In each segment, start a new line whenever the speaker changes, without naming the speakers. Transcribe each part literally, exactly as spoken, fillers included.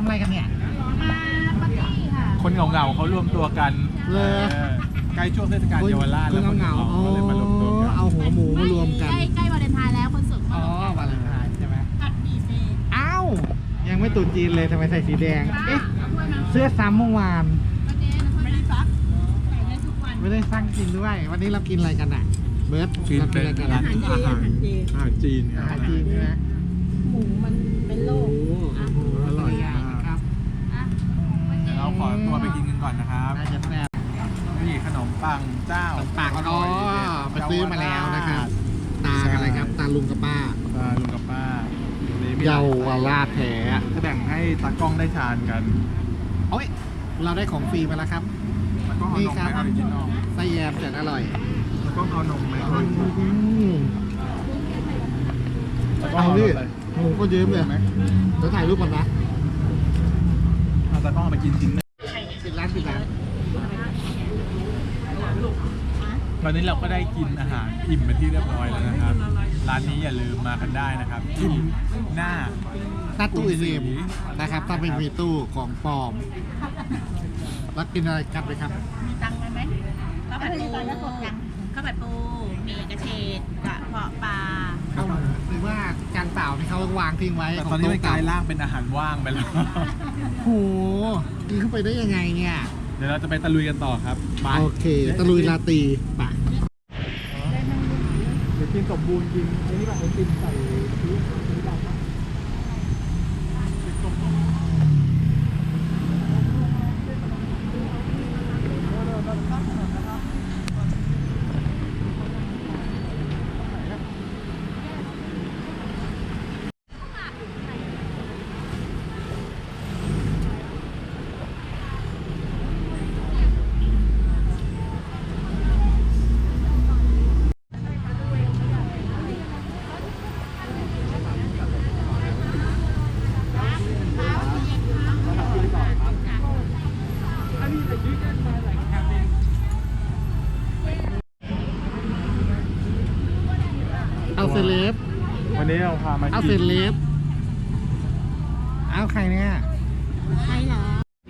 ำอะไรกันเนี่ย
มาปาร์ตี้ค่ะ
คนเหงาๆเขารวมตัวกันเลยใกล้ช่วงเทศกาลเยาวราชแล้วคนเหงาๆเขาเลยมารวมตัวกัน
เอาหัวหมูมารวมกัน
ใกล้ใกล้วาเลนไทน์แล้วคนสด
อ๋อวาเลนไทน์ใช่ไหม
ผัดหมี่เซ
อ้าวยังไม่ตุนจีนเลยทำไมใส่สีแดงเอ๊ะเสื้อซ้ำเมื่อวาน
ไม่ได้ซักใส่ได้ทุกวัน
ไม่ได้สร้างกินด้วยวันนี้เรากินอะไรกันอ่ะเบิร์ต
กินเป็นร้านอาหารอาหารจีน
อาหารจีนใช่ไหม
หมูมันเป็นโรค
อร่อยครับ
เดี๋ยวเราขอตัวไปกินกันก่อนนะครับ
น่าจะแซ่บ
นี่ขนมปังเจ้า
ปากอ๋อไปซื้อมาแล้วนะครับตาอะไรครับตาลุงกับป้า
ตาลุงกับป้า
เยาวราชแท้
จะแบ่งให้ตากล้องได้ทานกัน
โอ้ยเราได้ของฟรีมาแล้วครับ
นี่ครับ
ไส้แยมแสนอร่อย
ตากล้องเอานมไหม
เอาดิโอ้โหก็เยอะเลยเดี๋ยวถ่ายรูปก่อนนะ
เอาตากล้องมากินจริงนะ
ปิดร้านปิดร้าน
ตอนนี้เราก็ได้กินอาหารอิ่มเป็นที่เรียบร้อยแล้วนะครับร้านนี้อย่าลืมมากันได้นะครับที่หน้า
หน้าตู้อีมนะครับถ้าไม่มีตู้ของปลอมแล้วกินอะไรกันเลยครับ
มีตังค์ไหมข้าวผัดปูข้าวผัดปูมีกระเฉดกระเพาะปลา
หรือว่าจานเปล่าที่เขาวางทิ้งไว้
ตอนนี้มันกลายร่างเป็นอาหารว่างไปแล้ว
โหกินเข้าไปได้ยังไงเนี่ย
เดี๋ยวเราจะไปตะลุยกันต่อครับ
โอเคตะลุยลาตีไป
เดี๋ยวกินสมบูรณ์จริงไอ้นี่แบบไอติมใส่ชีสชีสดำ
เอาเซเลบ
วันนี้เราพามา
เอาเซเลบเอาใครเนี่ย
ใครเหรอ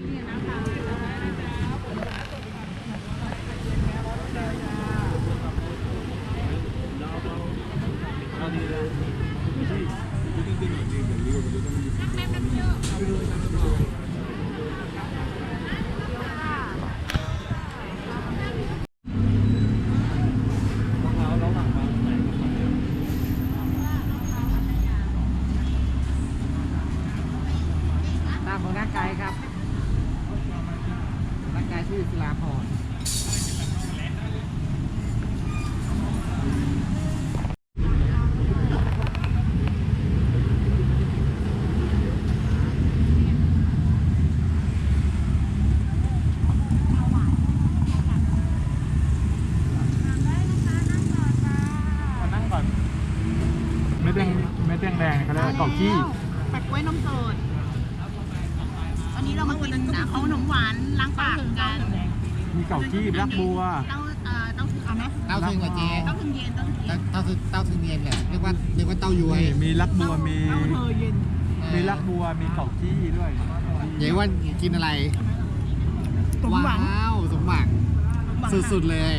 ของนักไกด์ครับนักไกด์ชื่อศิลาพร
นั่งก่อนไม่แดงไม่แดงแดงเขาเรียกว่าเกาะขี้
ปัดกล้วยนมสดวันนี้เรามากินนะเขาขนมหวานล้างปากกัน
มีเกาขี้รักบัว
เต้าเอ่อเต้าถึงเอาไหม
เต้าถึงกับเจ
เต้าถึงเย็นเต้าถึงเย็น
เต้าถึงเต้าถึงเย็นเนี่ยเรียกว่าเรียกว่าเต้ายวย
มีรักบัวมี
เต้าเธอเย็น
มีรักบัวมีเกาขี้ด้วย
เดี๋ยวว่ากินอะไร
สมหวัง
ว้าวสมหวังสุดๆเลย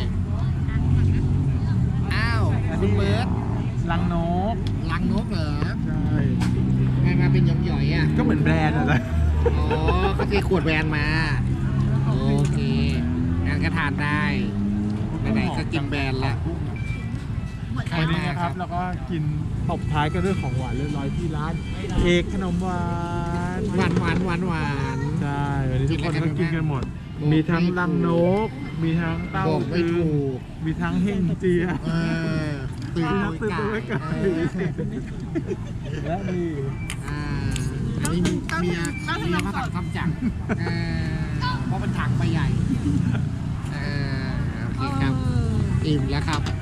อ้าวคุณเบิร์ต
ลังนก
ลังนกเหรอ
ใช่
ไงมาเป็นหย่อยๆอ่ะ
ก็เหมือนแบรนด์อะไร
อ๋อเขาจะขวดแบรนด์มาโอเคงั้นก็ทานได้ไหนๆก็กินแบรนด์ละ
ใครมาครับแล้วก็กินตบท้ายกันด้วยของหวานเรียบร้อยที่ร้านเอกขนมหวาน
หวานหวานหวานหวาน
ใช่วันนี้ทุกคนก็กินกันหมดมีทั้งลังนกมีทั้งเต้าถึงมีทั้งเฮงเจีย
ตื่น
ตื่นตัวไว้กันและมี
อันนี้เมียเมียมาสั่งทำจังเพราะเป็นถังใบใหญ่โอเคครับอิ่มแล้วครับ